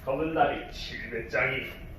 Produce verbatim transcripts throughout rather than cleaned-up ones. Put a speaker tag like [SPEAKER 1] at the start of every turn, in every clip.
[SPEAKER 1] 검은다리 칠배짱이.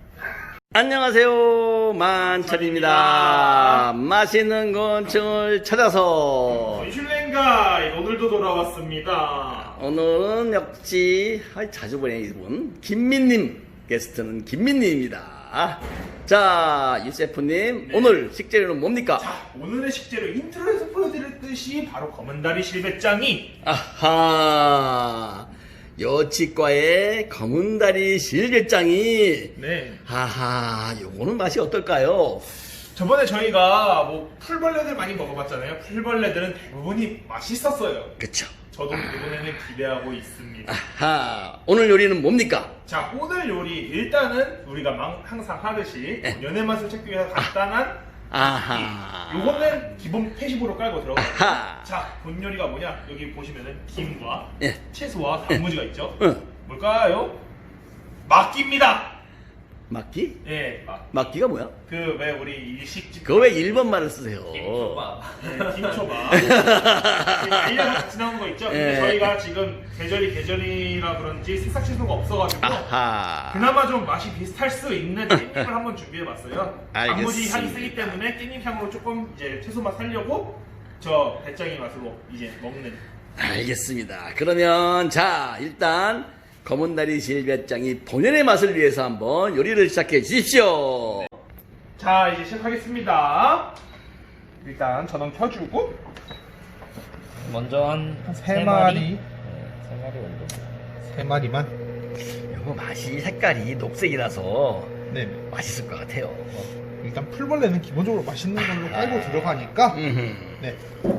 [SPEAKER 2] 안녕하세요, 만철입니다. 맛있는 곤충을 찾아서
[SPEAKER 1] 곤슐랭가이 오늘도 돌아왔습니다.
[SPEAKER 2] 오늘은 역시 아이, 자주 보내 이분 김민님, 게스트는 김민님입니다. 자, 유세프님,
[SPEAKER 1] 네.
[SPEAKER 2] 오늘 식재료는 뭡니까?
[SPEAKER 1] 자, 오늘의 식재료 인트로에서 보여드렸듯이 바로 검은다리 실배짱이.
[SPEAKER 2] 아하, 여치과의 검은다리 실개짱이.
[SPEAKER 1] 네.
[SPEAKER 2] 하하, 요거는 맛이 어떨까요?
[SPEAKER 1] 저번에 저희가 뭐 풀벌레들 많이 먹어봤잖아요. 풀벌레들은 대부분이 맛있었어요.
[SPEAKER 2] 그쵸.
[SPEAKER 1] 저도 이번에는 기대하고 있습니다.
[SPEAKER 2] 아하, 오늘 요리는 뭡니까?
[SPEAKER 1] 자, 오늘 요리 일단은 우리가 망- 항상 하듯이
[SPEAKER 2] 네.
[SPEAKER 1] 연애 맛을 찾기 위해서 간단한
[SPEAKER 2] 아하.
[SPEAKER 1] 요거는 기본 패시브로 깔고 들어가요.
[SPEAKER 2] 아하.
[SPEAKER 1] 자, 본 요리가 뭐냐? 여기 보시면은 김과
[SPEAKER 2] 예.
[SPEAKER 1] 채소와 단무지가 있죠.
[SPEAKER 2] 응.
[SPEAKER 1] 뭘까요? 막기입니다.
[SPEAKER 2] 막기?
[SPEAKER 1] 예, 막.
[SPEAKER 2] 막기가 뭐야?
[SPEAKER 1] 그 왜 우리 일식집
[SPEAKER 2] 그거 왜 일본 말을 쓰세요?
[SPEAKER 3] 김초밥.
[SPEAKER 1] 네, 김초밥. 알려서 같이 나온 거 있죠? 근데
[SPEAKER 2] 예.
[SPEAKER 1] 저희가 지금 계절이 계절이라 그런지 새싹 채소가 없어가지고
[SPEAKER 2] 아하.
[SPEAKER 1] 그나마 좀 맛이 비슷할 수 있는 깻잎을 한번 준비해봤어요. 단무지 향이
[SPEAKER 2] 알겠습니다.
[SPEAKER 1] 세기 때문에 깻잎 향으로 조금 이제 채소 맛 살려고 저 배짱이 맛으로 이제 먹는.
[SPEAKER 2] 알겠습니다. 그러면 자, 일단 검은다리 실배짱이 본연의 맛을 위해서 한번 요리를 시작해 주십시오.
[SPEAKER 1] 자, 이제 시작하겠습니다. 일단 전원 켜주고
[SPEAKER 3] 먼저 한
[SPEAKER 1] 세
[SPEAKER 3] 세
[SPEAKER 1] 마리.
[SPEAKER 3] 마리. 네, 세 마리 정도.
[SPEAKER 1] 세 마리만.
[SPEAKER 2] 요거 맛이 색깔이 녹색이라서
[SPEAKER 1] 네.
[SPEAKER 2] 맛있을 것 같아요.
[SPEAKER 1] 일단 풀벌레는 기본적으로 맛있는 걸로 깔고 들어가니까.
[SPEAKER 2] 음흠.
[SPEAKER 1] 네.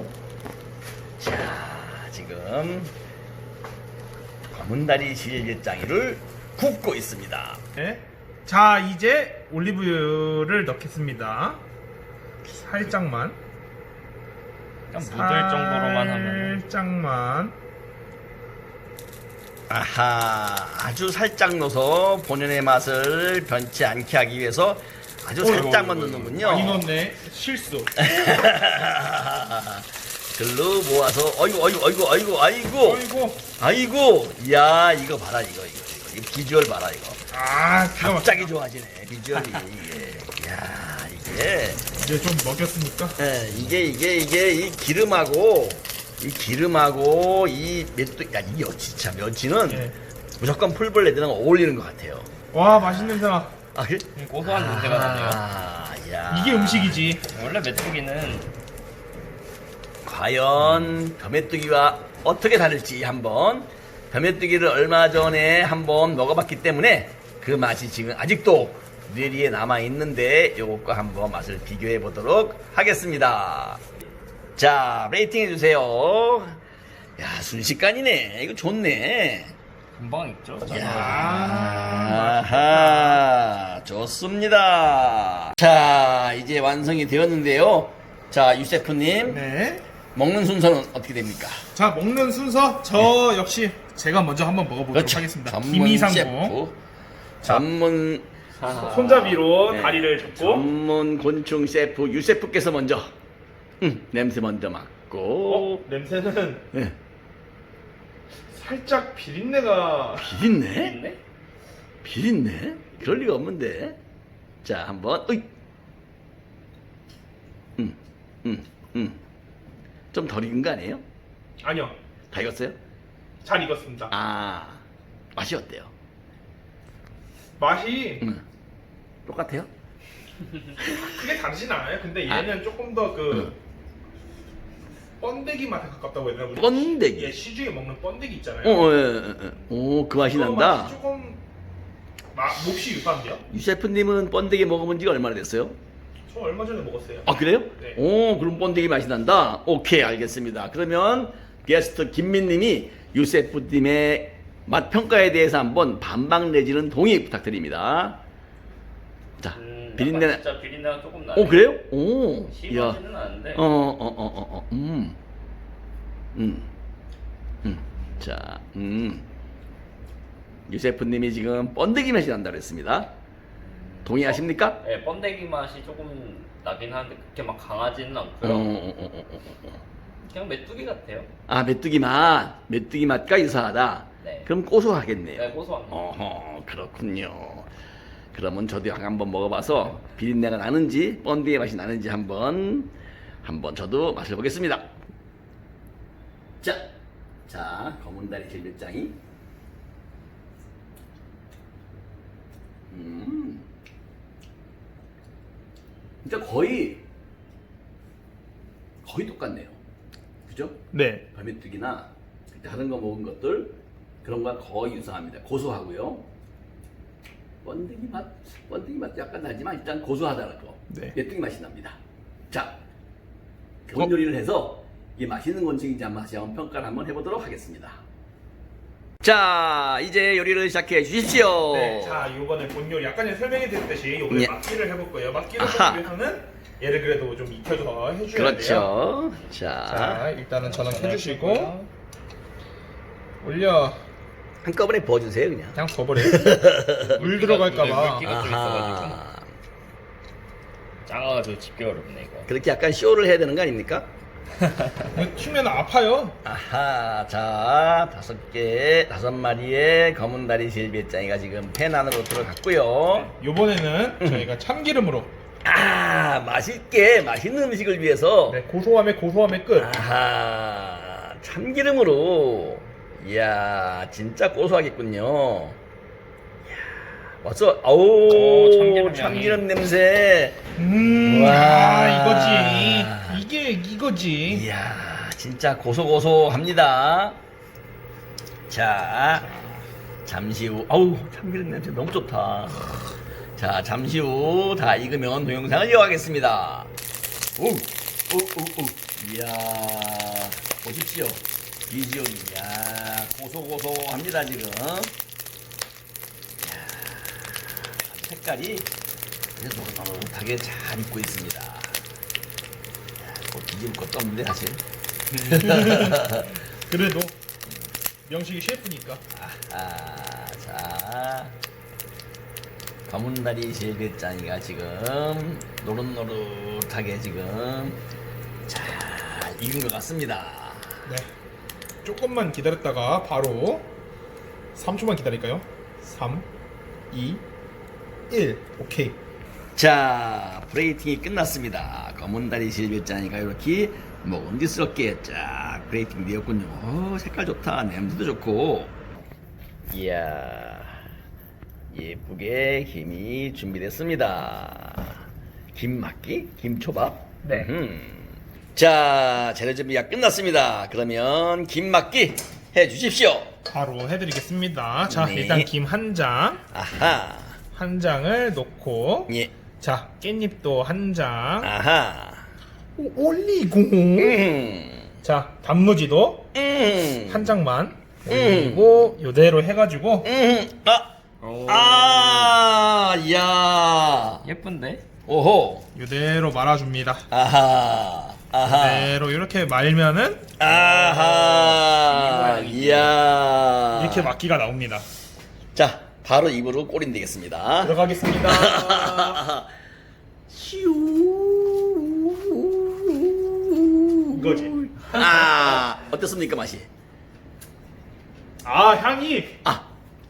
[SPEAKER 2] 자, 지금 검은다리 실배짱이를 굽고 있습니다.
[SPEAKER 1] 네. 자, 이제 올리브유를 넣겠습니다. 살짝만.
[SPEAKER 3] 그냥 묻을 정도로만 하면.
[SPEAKER 1] 살짝만.
[SPEAKER 2] 아하, 아주 살짝 넣어서 본연의 맛을 변치 않게 하기 위해서 아주 살짝만 넣는군요.
[SPEAKER 1] 많이 넣었네. 실수.
[SPEAKER 2] 글로 모아서 어이구 어이구 어이구 어이구 아이고
[SPEAKER 1] 어이구.
[SPEAKER 2] 아이고 야 이거 봐라 이거 이거 이거 이 비주얼 봐라 이거
[SPEAKER 1] 아, 기가 막혀.
[SPEAKER 2] 갑자기 좋아지네 비주얼이 이게 야 이게
[SPEAKER 1] 이제 좀 먹였으니까.
[SPEAKER 2] 예, 이게 이게 이게 이 기름하고 이 기름하고 이 멸치 야이 멸치 참 멸치는
[SPEAKER 1] 예.
[SPEAKER 2] 무조건 풀벌레들랑 어울리는 것 같아요.
[SPEAKER 1] 와, 맛있는 냄새나.
[SPEAKER 2] 아 그래?
[SPEAKER 3] 고소한 냄새가 나네요.
[SPEAKER 2] 아, 야.
[SPEAKER 1] 이게 음식이지.
[SPEAKER 3] 원래 메뚜기는
[SPEAKER 2] 과연 벼메뚜기와 어떻게 다를지 한번 벼메뚜기를 얼마 전에 한번 먹어봤기 때문에 그 맛이 지금 아직도 뇌리에 남아 있는데 요것과 한번 맛을 비교해 보도록 하겠습니다. 자, 레이팅 해주세요. 야, 순식간이네. 이거 좋네.
[SPEAKER 3] 금방 익죠?
[SPEAKER 2] 야, 아하, 좋습니다. 자, 이제 완성이 되었는데요. 자, 유세프님.
[SPEAKER 1] 네.
[SPEAKER 2] 먹는 순서는 어떻게 됩니까?
[SPEAKER 1] 자, 먹는 순서 저 역시 제가 먼저 한번 먹어보도록 하겠습니다.
[SPEAKER 2] 전문
[SPEAKER 1] 김이상궁.
[SPEAKER 2] 셰프. 전문
[SPEAKER 1] 손잡이로
[SPEAKER 2] 네.
[SPEAKER 1] 다리를 잡고.
[SPEAKER 2] 전문 곤충 셰프 유세프께서 먼저 음, 냄새 먼저 맡고
[SPEAKER 1] 어? 냄새는
[SPEAKER 2] 네.
[SPEAKER 1] 살짝 비린내가.
[SPEAKER 2] 비린내?
[SPEAKER 3] 있네?
[SPEAKER 2] 비린내? 그럴 리가 없는데. 자, 한번 으이. 음, 음, 음. 좀 덜 익은 거 아니에요?
[SPEAKER 1] 아니요.
[SPEAKER 2] 다 익었어요?
[SPEAKER 1] 잘 익었습니다.
[SPEAKER 2] 아, 맛이 어때요?
[SPEAKER 1] 맛이
[SPEAKER 2] 음. 똑같아요?
[SPEAKER 1] 크게 다르진 않아요. 근데 얘는 조금 더 그
[SPEAKER 2] 음.
[SPEAKER 1] 번데기 맛에 가깝다고 해야 되나? 우리
[SPEAKER 2] 번데기?
[SPEAKER 1] 예, 시중에 먹는 번데기 있잖아요.
[SPEAKER 2] 어, 어, 예, 예, 예. 오, 그 맛이
[SPEAKER 1] 그거
[SPEAKER 2] 난다.
[SPEAKER 1] 맛이 조금 마, 몹시 유사한데요?
[SPEAKER 2] 유 셰프님은 번데기 먹어본 지가 얼마나 됐어요?
[SPEAKER 1] 저 얼마 전에 먹었어요.
[SPEAKER 2] 아, 그래요?
[SPEAKER 1] 네.
[SPEAKER 2] 오, 그럼 번데기 맛이 난다? 오케이, 알겠습니다. 그러면 게스트 김민님이 유세프님의 맛 평가에 대해서 한번 반박 내지는 동의 부탁드립니다. 자,
[SPEAKER 3] 음,
[SPEAKER 2] 비린내.
[SPEAKER 3] 약간 진짜 비린내가 조금 나네.
[SPEAKER 2] 오, 그래요? 오,
[SPEAKER 3] 심하지는 않은데.
[SPEAKER 2] 어, 어, 어, 어, 어, 음, 음, 음, 자, 음. 유세프님이 지금 번데기 맛이 난다 그랬습니다. 동의하십니까?
[SPEAKER 3] 네, 번데기 맛이 조금 나긴 하는데 그렇게 막 강하지는
[SPEAKER 2] 어,
[SPEAKER 3] 않고요.
[SPEAKER 2] 어, 어, 어, 어, 어.
[SPEAKER 3] 그냥 메뚜기 같아요.
[SPEAKER 2] 아, 메뚜기 맛, 메뚜기 맛과 유사하다.
[SPEAKER 3] 네.
[SPEAKER 2] 그럼 고소하겠네요.
[SPEAKER 3] 네, 고소합니다.
[SPEAKER 2] 어허, 그렇군요. 그러면 저도 한번 먹어봐서 비린내가 나는지 번디의 맛이 나는지 한번 한번 저도 맛을 보겠습니다. 자, 자 검은다리 질bil장이 음, 진짜 거의 거의 똑같네요. 그죠?
[SPEAKER 1] 네.
[SPEAKER 2] 밤에뜨기나 다른 거 먹은 것들 그런 거랑 거의 유사합니다. 고소하고요. 번데기 맛, 번데기 맛도 약간 나지만 일단 고소하다는 거.
[SPEAKER 1] 네.
[SPEAKER 2] 메뚜기 맛이 납니다. 자, 그런 요리를 해서 이게 맛있는 건지인지 한번 다시 한번 평가를 한번 해보도록 하겠습니다. 자, 이제 요리를 시작해 주십시오.
[SPEAKER 1] 네, 자 이번에 본 요리 아까 전에 설명해 드렸듯이 요번에
[SPEAKER 2] 예.
[SPEAKER 1] 막기를 해볼 거예요. 막기를
[SPEAKER 2] 아하.
[SPEAKER 1] 하기 위해서는 얘를 그래도 좀 익혀서 해줘야 돼요.
[SPEAKER 2] 그렇죠. 자,
[SPEAKER 1] 자 일단은 전원해주시고 올려
[SPEAKER 2] 한꺼번에 부어주세요, 그냥.
[SPEAKER 1] 그냥 버버려. 물 들어갈까봐.
[SPEAKER 3] 물기가 좀
[SPEAKER 2] 아하.
[SPEAKER 3] 작아가지고 집기 어렵네 이거.
[SPEAKER 2] 그렇게 약간 쇼를 해야 되는 거 아닙니까?
[SPEAKER 1] 튀면 아파요.
[SPEAKER 2] 아하, 자, 다섯 개, 다섯 마리의 검은 다리 질비짱이가 지금 팬 안으로 들어갔고요.
[SPEAKER 1] 요번에는 저희가 참기름으로
[SPEAKER 2] 아, 맛있게, 맛있는 음식을 위해서.
[SPEAKER 1] 네, 고소함의 고소함의 끝.
[SPEAKER 2] 아하, 참기름으로. 이야, 진짜 고소하겠군요. 이야, 벌써, 아우,
[SPEAKER 3] 오, 참기름
[SPEAKER 2] 참기름,
[SPEAKER 3] 향이.
[SPEAKER 2] 냄새.
[SPEAKER 1] 음,
[SPEAKER 2] 와.
[SPEAKER 1] 아, 이거지. 이게 이거지.
[SPEAKER 2] 이야, 진짜 고소고소합니다. 자, 잠시 후, 아우, 참기름 냄새 너무 좋다. 자, 잠시 후 다 익으면 동영상을 이어가겠습니다. 오, 오, 오, 오. 이야, 보십시오. 비주얼, 이야, 고소고소합니다, 지금. 이야, 색깔이 아주 노릇노릇하게 잘 익고 있습니다. 이야, 뭐 뒤집을 것도 없는데, 사실.
[SPEAKER 1] 그래도 명식이 셰프니까.
[SPEAKER 2] 아, 자, 검은다리 질게짱이가 지금 노릇노릇하게 지금 잘 익은 것 같습니다.
[SPEAKER 1] 네. 조금만 기다렸다가 바로 삼 초만 기다릴까요? 삼, 이, 일. 오케이.
[SPEAKER 2] 자, 프레이팅이 끝났습니다. 검은다리 질게짱이가 이렇게 먹음직스럽게 쫙 프레이팅 되었군요. 오, 색깔 좋다. 냄새도 좋고. 이야, 예쁘게 김이 준비됐습니다. 김막기? 김초밥?
[SPEAKER 1] 네.
[SPEAKER 2] 음흠. 자, 재료 준비가 끝났습니다. 그러면 김막기 해 주십시오.
[SPEAKER 1] 바로 해드리겠습니다. 자,
[SPEAKER 2] 네.
[SPEAKER 1] 일단 김 한 장,
[SPEAKER 2] 아하,
[SPEAKER 1] 한 장을 놓고,
[SPEAKER 2] 예,
[SPEAKER 1] 자, 깻잎도 한 장,
[SPEAKER 2] 아하,
[SPEAKER 1] 오, 올리고,
[SPEAKER 2] 음,
[SPEAKER 1] 자, 단무지도
[SPEAKER 2] 음,
[SPEAKER 1] 한 장만 올리고, 요대로 해가지고,
[SPEAKER 2] 음, 아,
[SPEAKER 3] 오.
[SPEAKER 2] 아, 야,
[SPEAKER 3] 예쁜데?
[SPEAKER 2] 오호,
[SPEAKER 1] 요대로 말아줍니다.
[SPEAKER 2] 아하, 아하,
[SPEAKER 1] 요대로 이렇게 말면은
[SPEAKER 2] 아하, 이야,
[SPEAKER 1] 이렇게 막기가 나옵니다.
[SPEAKER 2] 자, 바로 입으로 꼬린 되겠습니다.
[SPEAKER 1] 들어가겠습니다. 이거지.
[SPEAKER 2] 아, 어떻습니까 맛이?
[SPEAKER 1] 아, 향이
[SPEAKER 2] 아,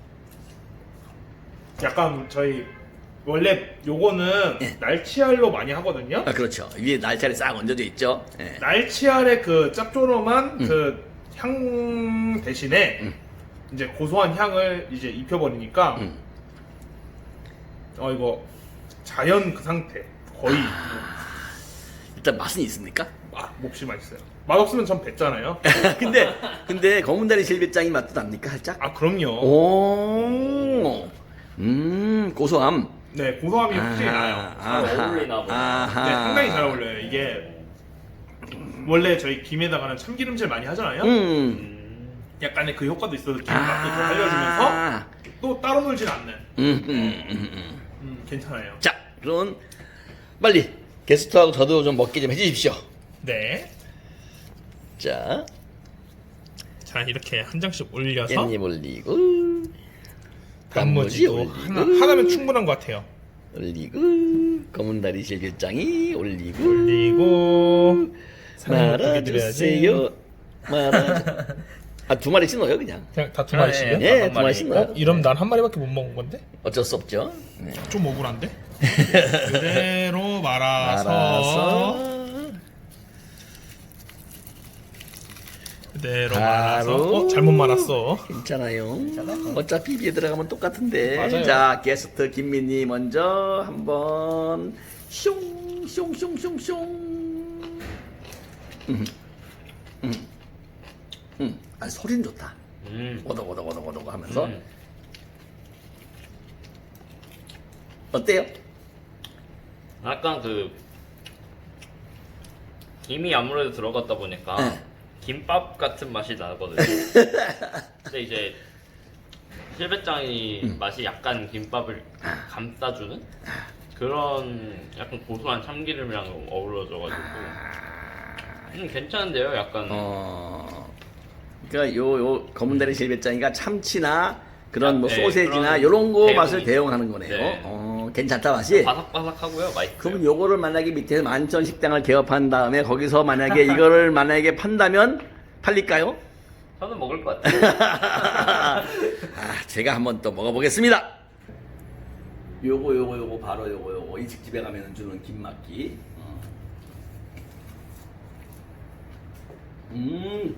[SPEAKER 1] 약간 저희 원래 요거는
[SPEAKER 2] 예.
[SPEAKER 1] 날치알로 많이 하거든요.
[SPEAKER 2] 아 그렇죠. 위에 날짜리 싹 얹어져 있죠. 예.
[SPEAKER 1] 날치알의 그 짭조름한
[SPEAKER 2] 음.
[SPEAKER 1] 그 향 대신에
[SPEAKER 2] 음.
[SPEAKER 1] 이제 고소한 향을 이제 입혀버리니까
[SPEAKER 2] 음.
[SPEAKER 1] 어 이거 자연 그 상태 거의
[SPEAKER 2] 일단 맛은 있습니까?
[SPEAKER 1] 아, 몹시 맛있어요. 맛없으면 전 뱉잖아요.
[SPEAKER 2] 근데 근데 검은다리 실비짱이 맛도 납니까 살짝?
[SPEAKER 1] 아 그럼요.
[SPEAKER 2] 오, 음 고소함.
[SPEAKER 1] 네 고소함이 확실히 나요.
[SPEAKER 3] 잘 어울리나 보다.
[SPEAKER 1] 네 상당히 잘 어울려요. 이게 원래 저희 김에다가는 참기름질 많이 하잖아요.
[SPEAKER 2] 음.
[SPEAKER 3] 음.
[SPEAKER 1] 약간의 그 효과도 있어서 김 맛도 좀 알려주면서
[SPEAKER 2] 아.
[SPEAKER 1] 또 따로 놀진 않는.
[SPEAKER 2] 음, 음, 음, 음.
[SPEAKER 1] 음 괜찮아요.
[SPEAKER 2] 자, 그럼 빨리 게스트하고 저도 좀 먹게 좀 해주십시오.
[SPEAKER 1] 네.
[SPEAKER 2] 자,
[SPEAKER 1] 자 이렇게 한 장씩 올려서
[SPEAKER 2] 깻잎 올리고
[SPEAKER 1] 단무지도
[SPEAKER 2] 올리고
[SPEAKER 1] 하나 하나면 충분한 것 같아요.
[SPEAKER 2] 올리고 검은다리 실비짱이 올리고
[SPEAKER 1] 올리고 사랑을 보게 드려야지.
[SPEAKER 2] 말아주세요. 말아. 아, 두 마리씩 넣어요, 그냥.
[SPEAKER 4] 그냥 다 두
[SPEAKER 3] 네,
[SPEAKER 4] 마리씩이요?
[SPEAKER 3] 네.
[SPEAKER 2] 예,
[SPEAKER 3] 한
[SPEAKER 2] 두
[SPEAKER 3] 마리.
[SPEAKER 2] 마리씩
[SPEAKER 4] 어?
[SPEAKER 2] 넣어요.
[SPEAKER 4] 이러면 난 한 마리밖에 못 먹은 건데?
[SPEAKER 2] 어쩔 수 없죠. 네.
[SPEAKER 4] 좀 억울한데? 그대로 말아서,
[SPEAKER 2] 알아서.
[SPEAKER 4] 그대로
[SPEAKER 2] 바로.
[SPEAKER 4] 말아서. 어? 잘못 말았어.
[SPEAKER 2] 괜찮아요. 어차피 입에 들어가면 똑같은데.
[SPEAKER 4] 맞아요.
[SPEAKER 2] 자, 게스트 김민희 먼저 한번 숑, 숑, 숑, 숑, 숑. 음, 음, 음. 아, 소리는 좋다.
[SPEAKER 3] 음.
[SPEAKER 2] 오덕, 오덕, 오덕, 오덕 하면서.
[SPEAKER 3] 음.
[SPEAKER 2] 어때요?
[SPEAKER 3] 약간 그 김이 아무래도 들어갔다 보니까
[SPEAKER 2] 네.
[SPEAKER 3] 김밥 같은 맛이 나거든요. 근데 이제 실배짱이
[SPEAKER 2] 음.
[SPEAKER 3] 맛이 약간 김밥을 감싸주는 그런 약간 고소한 참기름이랑 어우러져가지고 음, 괜찮은데요, 약간.
[SPEAKER 2] 어, 그러니까 요, 요 검은다리 실배짱이가 참치나 그런 뭐
[SPEAKER 3] 네,
[SPEAKER 2] 소세지나
[SPEAKER 3] 그런
[SPEAKER 2] 요런 거
[SPEAKER 3] 대용.
[SPEAKER 2] 맛을 대용하는 거네요.
[SPEAKER 3] 네.
[SPEAKER 2] 어, 괜찮다 맛이.
[SPEAKER 3] 바삭바삭하고요, 맛있어요.
[SPEAKER 2] 그러면 요거를 만약에 밑에 만천 식당을 개업한 다음에 거기서 만약에 이거를 만약에 판다면 팔릴까요?
[SPEAKER 3] 저는 먹을 것 같아요.
[SPEAKER 2] 아, 제가 한번 또 먹어보겠습니다. 요거 요거 요거 바로 요거 요거 이 집에 가면 주는 김막기. 어. 음,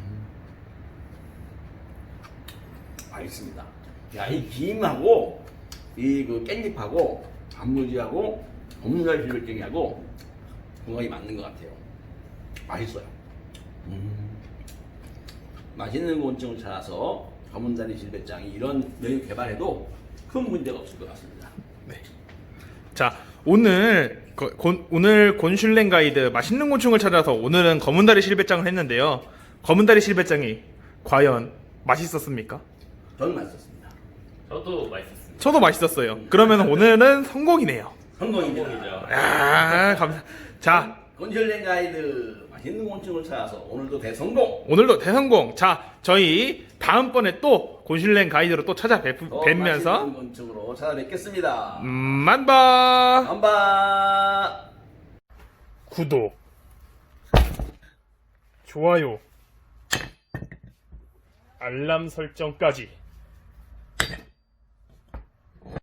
[SPEAKER 2] 맛있습니다. 야, 이 김하고 이 그 깻잎하고 단무지하고 검은살 비빔냉이하고 궁합이 맞는 것 같아요. 맛있어요. 음. 맛있는 곤충을 찾아서 검은다리 실배짱이 이런 메뉴 개발해도 큰 문제가 없을 것 같습니다.
[SPEAKER 4] 자, 오늘 거- 곤, 오늘 곤슐랭 가이드 맛있는 곤충을 찾아서 오늘은 검은다리 실배짱을 했는데요. 검은다리 실배짱이 과연 맛있었습니까?
[SPEAKER 2] 저는 맛있었습니다.
[SPEAKER 3] 저도 맛있었습니다.
[SPEAKER 4] 저도 맛있었어요. 그러면 오늘은 성공이네요.
[SPEAKER 2] 성공입니다.
[SPEAKER 3] 성공이죠.
[SPEAKER 4] 아, 감사. 자,
[SPEAKER 2] 곤슐랭 가이드 맛있는 곤충을 찾아서 오늘도 대성공.
[SPEAKER 4] 오늘도 대성공. 자, 저희 다음번에 또 곤슐랭 가이드로 또
[SPEAKER 2] 더
[SPEAKER 4] 찾아뵙면서
[SPEAKER 2] 맛있는 곤충으로 찾아뵙겠습니다.
[SPEAKER 4] 음, 만바.
[SPEAKER 2] 한바.
[SPEAKER 4] 구독, 좋아요, 알람 설정까지.